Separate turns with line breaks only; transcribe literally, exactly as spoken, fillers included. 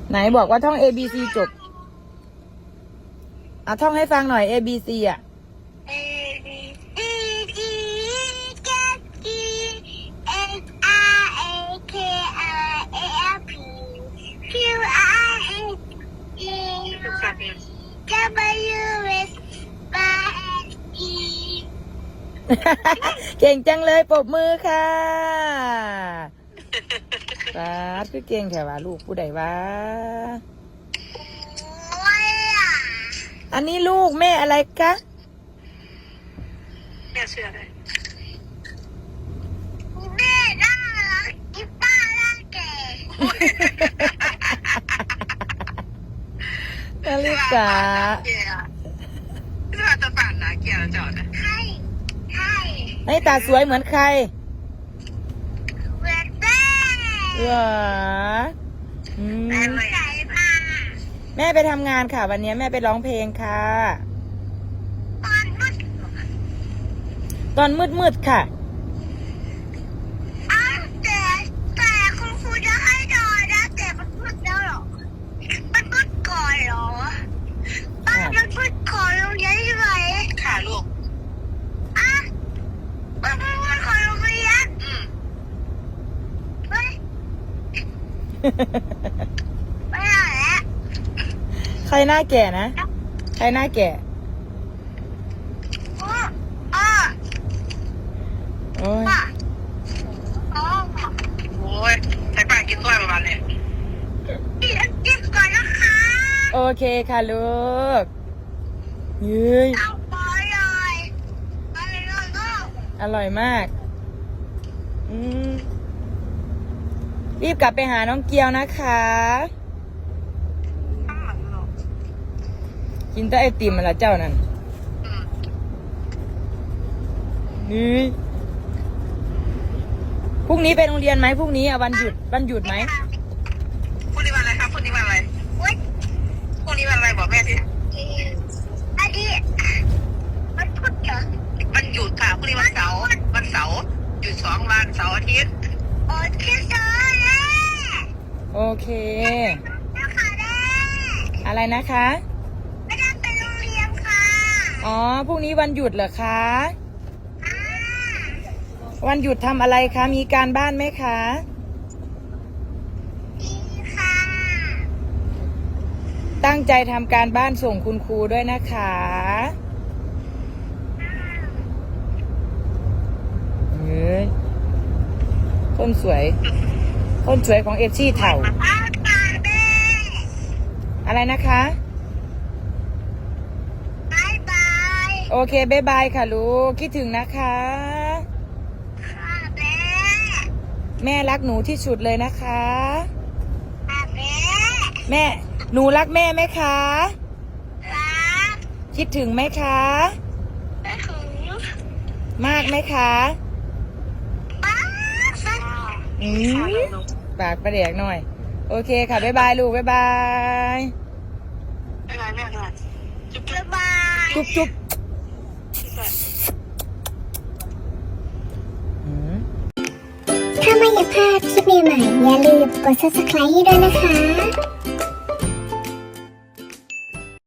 ไหนบอกว่าท่อง A B C จบอ่ะท่องให้ฟังหน่อย A B C อ่ะ
A B C D F G H I J K L M N O P Q R S T U W X Y Z
เก่งจังเลยปรบมือค่ะสาธุคือเก่งแค่ว่าลูกผู้ใดวะอันนี้ลูกแม่อะไรคะ
แม่เชื่อเลย
แม่น่ารักอีป้าน่าแก่
นาฬิกา
เกียร์ที่ว่าจะปั่นนะเกียร์จอดนะ
ใช่ใช่
ไอ้ตาสวยเหมือนใคร
เหมือนแม่
เหรออืม
แม่ใส่ผ้า
แม่ไปทำงานค่ะวันนี้แม่ไปร้องเพลงค่ะ
ตอนมืด
ตอนมืดๆค่ะ
อ้าวแต่แต่คุณครูจะให้นอนนะแต่มันมืดแล้วเหรอมันมืดก่อนเหรอป้ามันมืดก่อนโรงเรียนใช่ไหม
ค่ะลูก
อ่ะมันมืดก่อนโรงเรียน
อืม
เฮ้ยไม่ได้แล้ว
ใครหน้าแก่นะใครหน้าแก่
โอ้อ้อ
โอ้ย
ป้าอ๋อ
โอ้ยใส่ป่ากินต้อยประมาณนี้
กินกินก่อนนะคะ
โอเคค่ะลูกเย้ย
เอาไปเลยไปเลยลูก
อร่อยมากอืมรีบกลับไปหาน้องเกียวนะคะ
ข้างหลังลูก
กินแต่ไอติมมาละเจ้านั่น
อืม
นี่พรุ่งนี้ไปโรงเรียนไหมพรุ่งนี้อะวันหยุดวันหยุดไหม
พรุ่งนี้วันอะไรครับพรุ่งนี้วันอะไร
อุ๊ย
พรุ่งนี้วันอะไรบอกแม่สิ
อันนี้มันพูดเหรอ
วันหยุดค่ะพรุ่งนี้วันเสาร์วันเสาร์หยุดสองวันเสาร์อาทิตย์
โอ้คิดเลยแม่
โอเค
นะคะแม่
อะไรนะคะ
ไม่ได้ไปโรงเรียนค่ะ
อ๋อพรุ่งนี้วันหยุดเหรอคะ
อ่า
วันหยุดทำอะไรคะมีการบ้านไหมคะ
ดีค่ะ
ตั้งใจทำการบ้านส่งคุณครูด้วยนะคะเฮ้ยคนสวย คนสวยของเอฟซี่เถ่า
อ้าวตาแม่
อะไรนะคะ
บายบาย
โอเคบ๊ายบายค่ะลูกคิดถึงนะคะ
ค่ะแม่
แม่รักหนูที่สุดเลยนะคะ
ค่ะแม่
แม่หนูรักแม่ไหมคะ
รัก
คิดถึงไหมคะ
แม่ถึง
มากไหมคะ
ป้าสัก
อืมปากประเดียกหน่อย โอเคค่ะบ๊ายบายลูกบ๊ายบาย
ไม่ไรแม่ด้วยจุ๊บ
บ๊ายบาย
จุ๊บจุ๊บ
จุ๊บ
อืม
ถ้าไม่อยากพลาดคลิปใหม่ๆอย่าลืมกด ซับสไครบ์ ให้ด้วยนะคะ